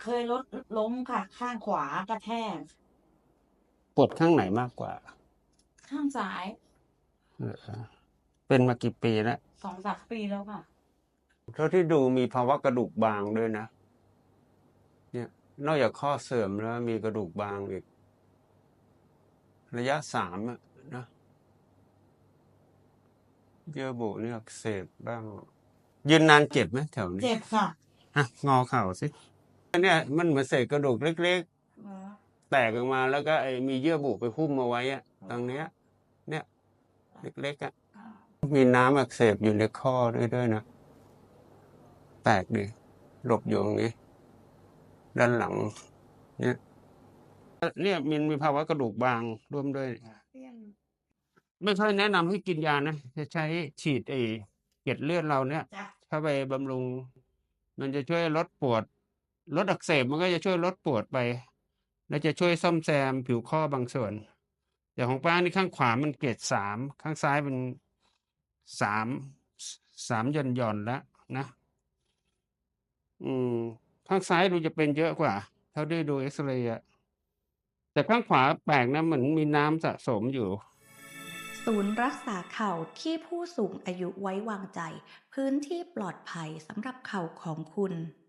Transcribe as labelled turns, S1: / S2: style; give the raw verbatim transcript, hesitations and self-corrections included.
S1: เคยรถล้มค่ะ ข้างขวากระแทก
S2: ปวดข้างไหนมากกว่า
S1: ข้างซ้าย
S2: เหรอ เป็นมากี่ปีแล้ว?
S1: สองสาม ปีแล้วค่ะ
S2: เท่าที่ดูมีภาวะกระดูกบางด้วยนะ เนี่ย นอกจากข้อเสื่อมแล้วมีกระดูกบางอีก ระยะ สาม อะนะ เยื่อบุนี่อักเสบบ้าง ยืนนานเจ็บไหมแถวนี้?
S1: เจ็บค่ะ
S2: อะ งอเข่าสิ อันเนี้ยมันเหมือนเศษกระดูกเล็ก
S1: เหรอ?
S2: ๆ แตกออกมา แล้วก็ไอ้มีเยื่อบุไปหุ้มเอาไว้อะ ตรงเนี้ย เนี่ย เล็ก ๆ อะ มีน้ำอักเสบอยู่ในข้อด้วย ด้วยนะ แปลกดี หลบอยู่ตรงนี้ ด้านหลัง เนี่ย เออ เนี่ยมันมีภาวะกระดูกบางร่วมด้วย ไม่ค่อยแนะนำให้กินยานะ จะใช้ฉีดไอ้เกล็ดเลือดเราเนี่ย
S1: จ้ะ
S2: เข้าไปบำรุง มันจะช่วยลดปวด ลดอักเสบมันก็จะช่วยลดปวดไป แล้วจะช่วยซ่อมแซมผิวข้อบางส่วน อย่างของป้านี่ข้างขวามันเกรด สาม ข้างซ้ายมัน สาม ส สาม หย่อน ๆ แล้วนะ อืม ข้างซ้ายดูจะเป็นเยอะกว่า เท่าที่ดูเอกซเรย์อะ แต่ข้างขวาแปลกนะ เหมือนมีน้ำสะสมอยู่
S3: ศูนย์รักษาเข่าที่ผู้สูงอายุไว้วางใจ พื้นที่ปลอดภัยสำหรับเข่าของคุณ